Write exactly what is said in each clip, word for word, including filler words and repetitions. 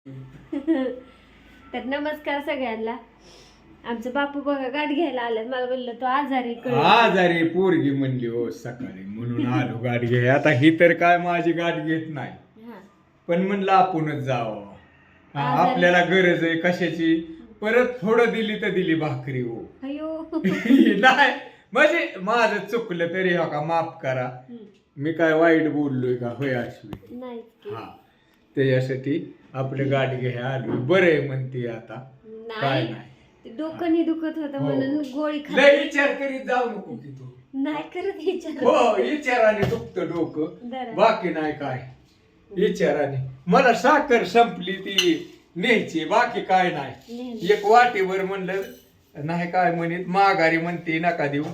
तर नमस्कार सगळ्यांना. आमचं बापू बघा गाठ घ्यायला आल्यात. मला म्हणलं तो आजारी कळलं. आजारी पोरगी म्हणली हो सकाळी म्हणून आलो गाठ घे. आता ही तर काय माझी गाठ घेत नाही, हा. पण म्हणलं आपणच जावं. हा, आजारी- आपल्याला गरज आहे कशाची. परत थोडं दिली तर दिली भाकरी हो. अयो नाही म्हणजे माझं चुकलं तरी हो का माफ करा. मी काय वाईट बोललोय का होय अश्विनी? नाही की. हा, त्याच्यासाठी आपलं गाठ घ्या आलो. बरं आहे म्हणते आता काय नाही नाही. ते डोकं नाही दुखत होतं हो. म्हणून गोळी खा. लय विचार करीत जाऊ नको की तू. नाही करत विचार. हो विचाराने दुखतं डोकं, बरं. बाकी नाही काय. विचाराने मला साखर संपली ती न्यायची, बाकी काय नाही. नेहमी. एक वाटीवर म्हणलं नाही काय म्हणत माघारी म्हणते नका देऊ.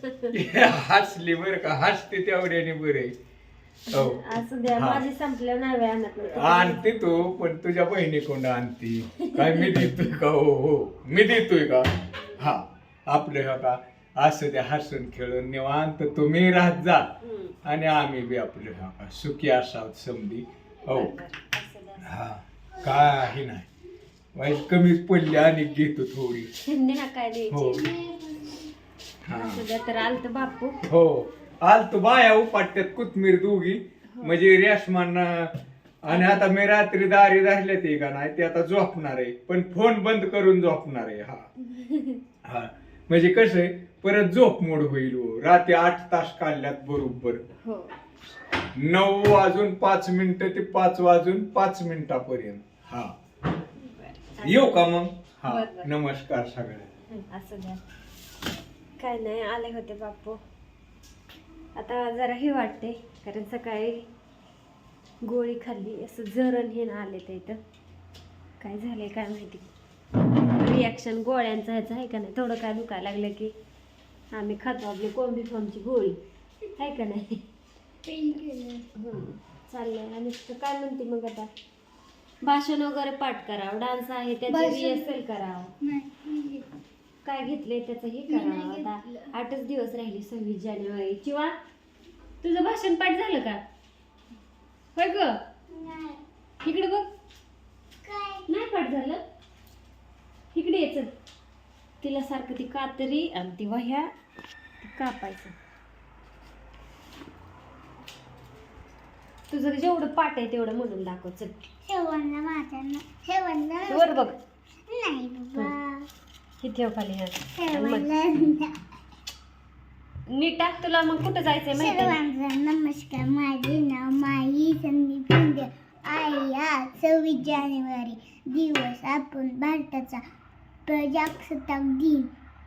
हसली बर का, हसते तेवढ्याने बरे. हो असं द्या. हा. माझी संपल्यावर नाही वेळ आणत नाही. आणते तू, पण तुझ्या बहिणीकडून आणते. काय मी देतोय का? हो हो मी देतोय का? हा आपलं हो का असं द्या, हसून खेळून निवांत तुम्ही राहत जा हम्म. आणि आम्ही बी आपलं हो का सुखी असावं समधी. हो बरं, बरं. असं द्या. हा काही नाही, वाईट कमीच पडली आणि घेतो थोडी. नेहा काय हो द्यायची. हा असं द्या. तर आलत बापू. हो आल तू बाया उपाट्यात कोथमीर दोघी म्हणजे रेशमान. आणि आता मी रात्री दारी धरले ते का नाही ते आता झोपणार आहे, पण फोन बंद करून झोपणार आहे. हा हा म्हणजे कसं आहे परत झोप मोड होईल हो. रात्री आठ तास काढल्यात बरोबर. हो. नऊ वाजून पाच मिनिटं ते पाच वाजून पाच मिनिटापर्यंत. हा बरं. येऊ का मग? हा बरं, बरं. नमस्कार सगळ्यांना. हं, असं द्या. काय नाही आले होते बापू. आता जरा हे वाटते कारण सकाळी गोळी खाल्ली, असं जरण हे ना आले ते इथं. काय झालंय काय माहिती. रिॲक्शन गोळ्यांचं ह्याचं आहे का नाही. थोडं काय दुखायला लागलं की आम्ही खातो आपली कोंबी फॉर्मची गोळी आहे का नाही. हं, चाललंय. आणि काय म्हणते मग आता भाषण वगैरे पाठ करावं, डान्स आहे त्याची रिहर्सल करावं, काय घेतलंय त्याचं हे करावं. आता आठच दिवस राहिले सव्वीस जानेवारी. किंवा तुझं भाषण पाठ झालं का? होय ग, इकडे बघ. नाही पाठ झालं. इकडे यायचं. तिला सारखं ती कातरी आणि ती वह्या कापायचं. तुझं जेवढं पाठ आहे तेवढं म्हणून दाखव. चल वर बघ. ही ठेव खाली. हा नीट टाक. तुला मग कुठं जायचंय माहिती आहे? सर्वांना नमस्कार. माझे नाव माही संदीप शिंदे आहे. आज सव्वीस जानेवारी दिवस आपण भारताचा प्रजासत्ताक दिन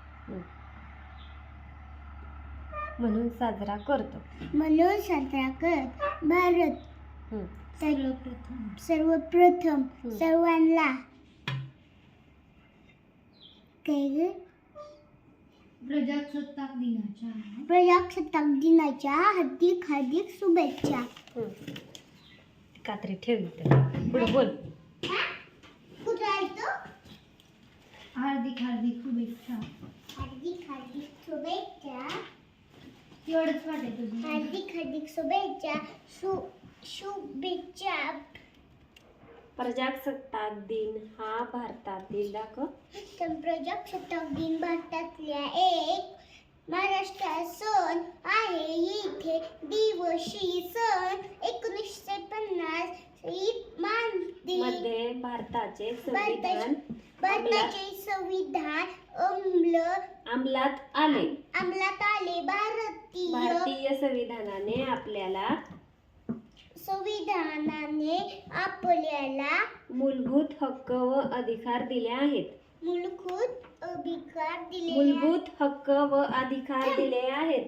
म्हणून साजरा करतो. म्हणून साजरा करत. भारत हं. सर्वप्रथम सर्वप्रथम हं. सर्वांना काय ग? प्रजासत्ताक दिनाच्या प्रजासत्ताक दिनाच्या हार्दिक हार्दिक शुभेच्छा. हं. कात्री ठेवली तर पुढे बोल. कुठं आहे तो? हार्दिक हार्दिक शुभेच्छा. हार्दिक हार्दिक शुभेच्छा. एवढंच वाटत तुझं. हार्दिक हार्दिक शुभेच्छा. शु शुभेच्छा. प्रजासत्ताक दिन हा भारतातील दाखव तर प्रजासत्ताक दिन भारतातल्या एक महाराष्ट्रात सण आहे. इथे दिवशी सन एकोणीसशे पन्नास मध्ये मध्ये भारताचे संविधान भारताचे संविधान अंमल अंमलात आले. अंमलात आले. भारतीय भारतीय संविधानाने आपल्याला संविधानाने आपल्याला मूलभूत हक्क व अधिकार दिले आहेत. मूलभूत अधिकार दिले मूलभूत हक्क व अधिकार दिले आहेत.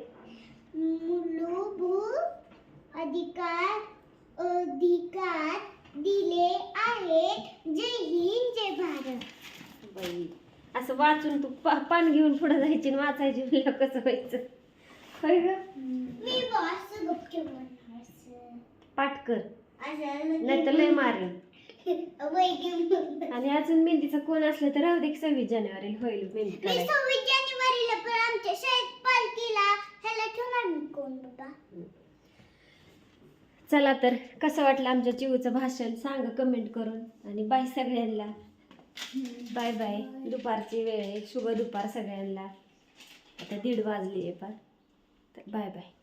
मूलभूत अधिकार अधिकार दिले आहेत. जय हिंद जय भारत. बाई असं वाचून तू पा- पान घेऊन पुढे जायची आणि वाचायची म्हणलं कसं व्हायचं. होय ग. मी बॉस गपचूप म्हणणार असं. पाठ कर असं नाही तर लय मारेन. वैद्य आणि अजून मेहंदीचं कोण असलं तर राहू दे. सव्वीस जानेवारी होईल मेहंदी मी काढायची. सव्वीस जानेवारीला पण आमच्या शाळेत पालखीला ह्याला ठेवणार मी कोण बाबा. चला तर कसं वाटलं आमच्या चिवूचं भाषण सांगा कमेंट करून. आणि बाय सगळ्यांना. Bye bye. दुपारची वेळ आहे. शुभ दुपार सगळ्यांना. आता दीड वाजली आहे पण. तर बाय बाय.